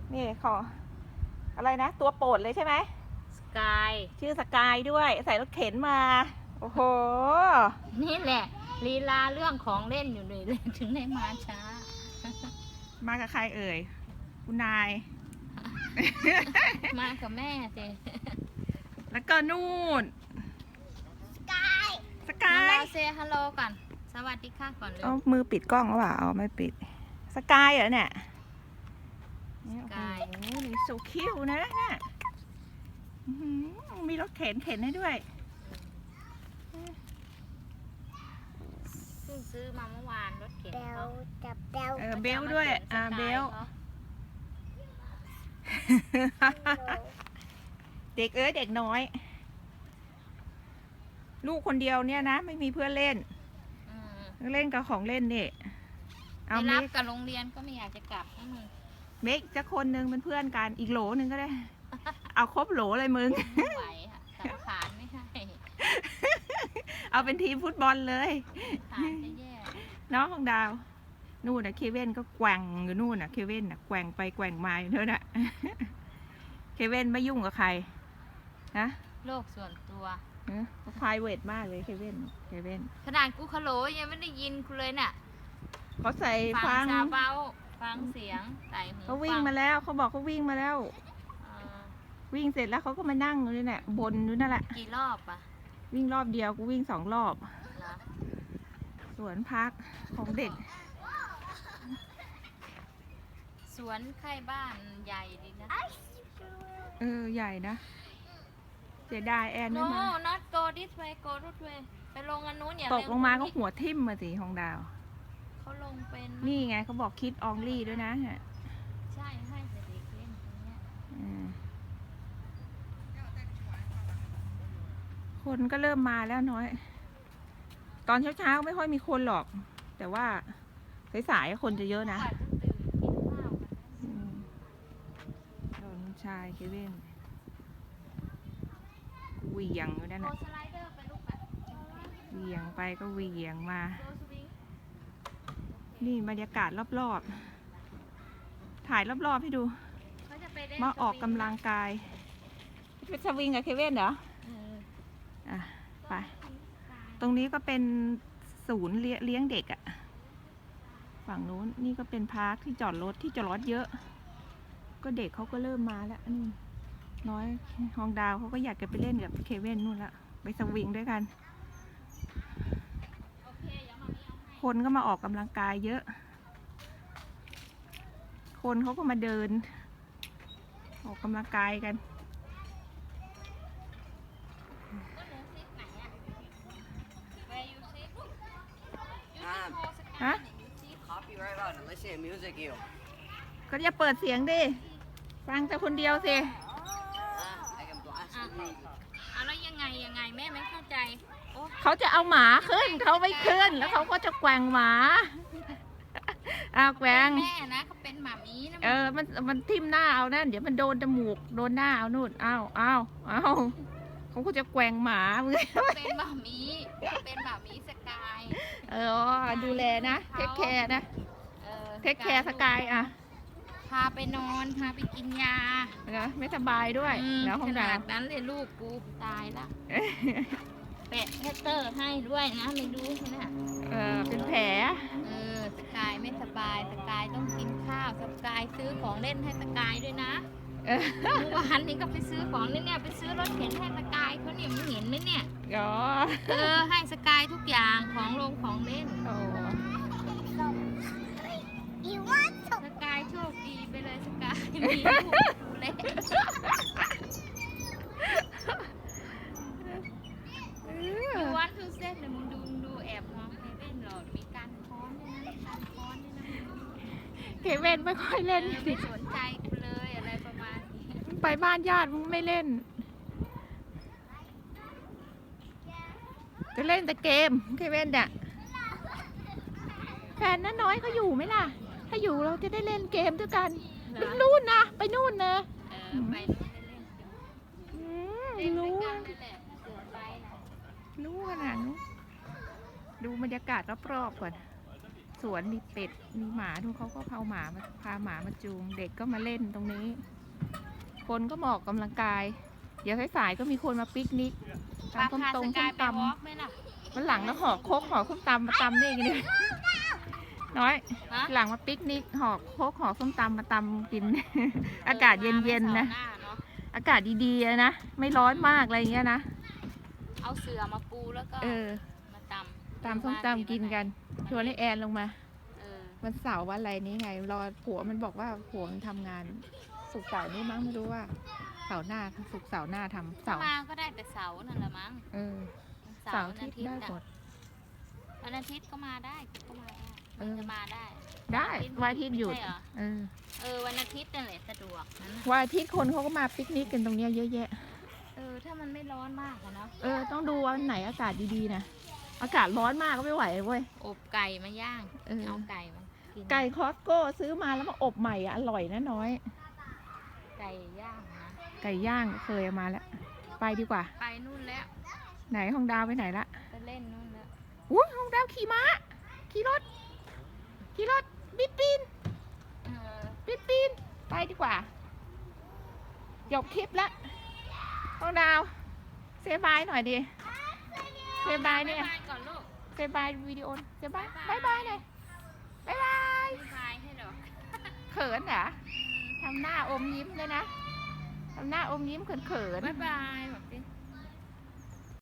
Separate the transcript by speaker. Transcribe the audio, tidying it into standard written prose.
Speaker 1: นี่ขออะไรนะ ตัวโปรดเลยใช่ไหม
Speaker 2: สกาย
Speaker 1: ชื่อสกายด้วย ใส่รถเข็นมา โอ้โห
Speaker 2: นี่แหละลีลาเรื่องของเล่นอยู่เลยถึงได้มาช้า
Speaker 1: มากับใครเอ่ย คุณนาย
Speaker 2: มากับแม่สิ
Speaker 1: แล้วก็นู่น สกาย
Speaker 2: เราเซฮัลโหลก่อนสวัสดีค่ะก่อนเลย
Speaker 1: เอามือปิดกล้องหรือเปล่าเอาไม่ปิด สกายเหรอเนี่ย
Speaker 2: สกาย
Speaker 1: โอ้โหนี่โซคิวนะเนี่ยอื้อหือมีรถเข็นให้ด้วย
Speaker 2: เพิ่งซื้อมาเมื่อวานรถเข็นเขา
Speaker 1: เบลด้วย เบล เด็กเด็กน้อย ลูกคนเดียวเนี่ยนะ ไม่มีเพื่อนเล่น เล่นกับของเล่นนี่
Speaker 2: ไป
Speaker 1: เอา
Speaker 2: รั
Speaker 1: เม
Speaker 2: บ
Speaker 1: ก
Speaker 2: กับโรงเรียนก็ไม่อยากจะกลับนะมึง
Speaker 1: เมกจะคนหนึ่งเป็นเพื่อนกันอีกโหลหนึ่งก็ได้ เอาครบโหลเลยมึง
Speaker 2: ไม่ไหวค่ะสังขารไม่ให้
Speaker 1: เอาเป็นทีมฟุตบอลเลย
Speaker 2: ขารจะแย่
Speaker 1: น้องของดาว นู่นนะเคเว่นก็แกว่งอยู่นู่นนะเคเว่นนะแกว่งไปแกว่งมาอยู่เท่านั้น เคเว่นไม่ยุ่งกับใครนะ
Speaker 2: โลกส่วนตัว
Speaker 1: เขาพายเวทมากเลยเคเว่น
Speaker 2: ขนาดกูคาโหลยังไม่ได้ยินกูเลยน่ะ
Speaker 1: เขาใส่
Speaker 2: ฟั
Speaker 1: ฟั
Speaker 2: ง
Speaker 1: ง
Speaker 2: ซาเบาฟังเสียงใส่หู
Speaker 1: เขาวิ่งมาแล้วเขาบอกเขาวิ่งมาแล้ว
Speaker 2: อ่า
Speaker 1: วิ่งเสร็จแล้วเขาก็มานั่งอยู่นี่แหละบนอยู่นั่นแหละ
Speaker 2: กี่รอบอ่ะ
Speaker 1: วิ่งรอบเดียวกูวิ่ง2 รอบ
Speaker 2: เหรอ
Speaker 1: สวนพักของเด็ก
Speaker 2: สวนใกล้บ้านใหญ่ดีนะ
Speaker 1: ใหญ่นะเสียดายแอนไม่
Speaker 2: no
Speaker 1: มา
Speaker 2: not go this way go that way ไปลงอันนู้นอย่า
Speaker 1: ตกลงมาก็
Speaker 2: เร็ว
Speaker 1: หัวทิ่มมาสิของดาว
Speaker 2: เขาลงเป็น
Speaker 1: นี่ไงเขาบอกคิดอองลี่ด้วยนะเนี่ย
Speaker 2: ใช่ให้แต่เด็กเล่นตรงเนี้ย
Speaker 1: คนก็เริ่มมาแล้วน้อย ตอนเช้าๆไม่ค่อยมีคนหรอก แต่ว่าสายๆคนจะเยอะนะ
Speaker 2: กว่าจะตื่นกินข้าวกันนะ
Speaker 1: ตอนชายเคเว่นเหวี่ยงอยู่นั่น
Speaker 2: โก
Speaker 1: น่ะ
Speaker 2: สไลเดอร์ไปลูกอ่ะ
Speaker 1: เหวี่ยงไปก็เหวี่ยงมา
Speaker 2: โกสวิง
Speaker 1: นี่บรรยากาศรอบๆ ถ่ายรอบๆให้ดู
Speaker 2: เขาจะไปเล่น
Speaker 1: มาออกกำลังกายเป็นสวิงกับเคเว่นเหรอ
Speaker 2: เออ
Speaker 1: อ่ะ ไป ตรงนี้ก็เป็นศูนย์เลี้ยงเด็กอะฝั่งนู้นนี่ก็เป็นพาร์คที่จอดรถเยอะ ก็เด็กเขาก็เริ่มมาแล้วนี่น้อยฮองดาวเขาก็อยากจะไปเล่นกับเคเว่นนู่นละไปสวิงด้วยกัน
Speaker 2: โอเคเดี๋ยวมามีเอาให้
Speaker 1: คนก็มาออกกำลังกายเยอะ คนเขาก็มาเดิน ออกกำลังกายกัน
Speaker 2: ก็เหลือซิปไหนอ่ะ Where you sit you sit go สกาย
Speaker 1: ฮะ
Speaker 2: เนี่ย you sit
Speaker 3: Copy right on and listen to music you.
Speaker 1: ก็อย่าเปิดเสียงดิ ฟังแต่คนเดียวสิ
Speaker 3: I can blast the music.
Speaker 2: เอาแล้วยังไงแม่ไม่เข้าใจโอ้
Speaker 1: เขาจะเอาหมาขึ้น เขาไม่ขึ้น แล้วเขาก็จะแกว่งหมา อ้าวแกว่ง
Speaker 2: แม่นะเขาเป็นหมามีนะ
Speaker 1: มันทิ่มหน้าเอานั่น เดี๋ยวมันโดนจมูก โดนหน้าเอานู่นเอาเขาก็จะแกว่งหมามึง
Speaker 2: เขาเป็นหมามีเขาเป็นหมามีสกาย
Speaker 1: ดูแลนะ เทคแคร์นะ เทคแคร์สกายอ่ะ
Speaker 2: พาไปนอนพาไปกินยา
Speaker 1: นะไม่สบายด้วย แล้วข
Speaker 2: ข
Speaker 1: อง
Speaker 2: นา
Speaker 1: ดา
Speaker 2: ดนั้นเลยลูกกูตายละแปะแพตเตอร์ให้ด้วยนะไม่ดูนะ
Speaker 1: เป็นแผล
Speaker 2: สกายไม่สบายสกายต้องกินข้าวสกายซื้อของเล่นให้สกายด้วยนะ
Speaker 1: เออ
Speaker 2: เมื่อวานนี้ก็ไปซื้อของเล่นเนี่ยไปซื้อรถเข็นให้สกายเขาเนี่ยมึงเห็นไหมเนี่ย
Speaker 1: อ๋อ
Speaker 2: ให้สกายทุกอย่างของลงของเล่น
Speaker 1: โอ้
Speaker 2: สกายโชคดีไปเลยสกายมีลูกเล็กอยู่วันทูเซนเลยมึงดูแอบมองเซเว่นหรอมีการค้อนด้วยนะการค้อนด้วยนะ
Speaker 1: เคเว่นไม่ค่อยเล่น
Speaker 2: ไม่สนใจกูเลยอะไรประมาณนี้
Speaker 1: ไปบ้านญาติมึงไม่เล่น จะเล่นแต่เกมเคเว่นเนี่ยแฟนน้าน้อยเขาอยู่ไหมล่ะ ถ้าอยู่เราจะได้เล่นเกมด้วยกัน
Speaker 2: เหรอ
Speaker 1: นู่นนะไปนู่นนะ
Speaker 2: ไปนู่นเล่นเล่นด้วยกันนั่นแหละเสือไปนะ
Speaker 1: รู้ขนาดนู้นดูบรรยากาศรอบๆก่อนสวนมีเป็ดมีหมาทุกเขาก็พาหมามาจูง เด็กก็มาเล่นตรงนี้ คนก็มาออกกำลังกาย เดี๋ยวสายๆก็มีคนมาปิกนิก
Speaker 2: ปลา
Speaker 1: ตำส้ม
Speaker 2: พา
Speaker 1: ต
Speaker 2: ส
Speaker 1: รง
Speaker 2: กา
Speaker 1: ส้
Speaker 2: ย
Speaker 1: ม
Speaker 2: ไป
Speaker 1: ต
Speaker 2: วอล์กไหมล่ะ
Speaker 1: ำวันหลังก็ห่อโคกห่อส้มตำมาตำนี่กันเนี่ยน้อย
Speaker 2: ฮะ
Speaker 1: หลังมาปิกนิกห่อโคกห่อส้มตำมาตำกิน อากาศเย็นๆนะ
Speaker 2: เสาร์หาเนาะ
Speaker 1: อากาศดีๆนะ ไม่ร้อนมากอะไรอย่างเงี้ยนะ
Speaker 2: เอาเสือมาปูแล้วก็
Speaker 1: เออ
Speaker 2: มาตำ
Speaker 1: ตำส้มตำกินกัน ชวนให้แอนลงมา
Speaker 2: เออ
Speaker 1: วันเสาร์วันอะไรนี้ไง รอผัวมันบอกว่าผัวมันทำงานศุกร์เสาร์นี้มั้งไม่รู้ว่าเสาร์หน้าศุกร์เสาร์หน้าทำ
Speaker 2: ถ้า
Speaker 1: เสาร์
Speaker 2: มาก็ได้แต่เสาร์นั่นแหละมั้ง
Speaker 1: เออ
Speaker 2: วัน
Speaker 1: เสาร์อาทิตย์ได้หมด
Speaker 2: วันอาทิตย์ก็มาได้ก็มาได้
Speaker 1: เออ
Speaker 2: จะมาได้
Speaker 1: ได้วันอาทิตย์หยุด
Speaker 2: ไม่ใช่เรอ
Speaker 1: เออ
Speaker 2: วันอาทิตย์นั่นแหละสะดวกนั้นน่ะ
Speaker 1: วันอาทิตย์คนเขาก็มาปิกนิกกันตรงเนี้ยเยอะแยะ
Speaker 2: ถ้ามันไม่ร้อนมากอะเนาะ
Speaker 1: ต้องดูวันไหนอากาศดีๆนะ อากาศร้อนมากก็ไม่ไหวเว้ย
Speaker 2: อบไก่มาย่าง
Speaker 1: เออ
Speaker 2: เอาไก่มากิน
Speaker 1: ไก่คอสโก้ซื้อมาแล้วมาอบใหม่อะอร่อยนะน้อย
Speaker 2: ไก่ย่างนะ
Speaker 1: ไก่ย่างเคยเอามาแล้ว ไปดีกว่า
Speaker 2: ไปนู่นแล้ว
Speaker 1: ไหนห้องดาวไปไหนละ
Speaker 2: ไปเล่นนู่นแล้ว
Speaker 1: อุ้ยห้องดาวขี่ม้า ขี่รถ บิดปีน ไปดีกว่าจบคลิปละห้องดาว เซบายหน่อยดิ เซบายเนี่ย
Speaker 2: บ๊ายบายก่อนลูก
Speaker 1: เซบายวิดีโอ เซบายบายบายหน่อยบายบาย
Speaker 2: บ๊ายบายให้ดอก
Speaker 1: เขินเหรอทำหน้าอมยิ้มเลยนะทำหน้าอมยิ้มเขิน
Speaker 2: บ๊ายบายแบบนี้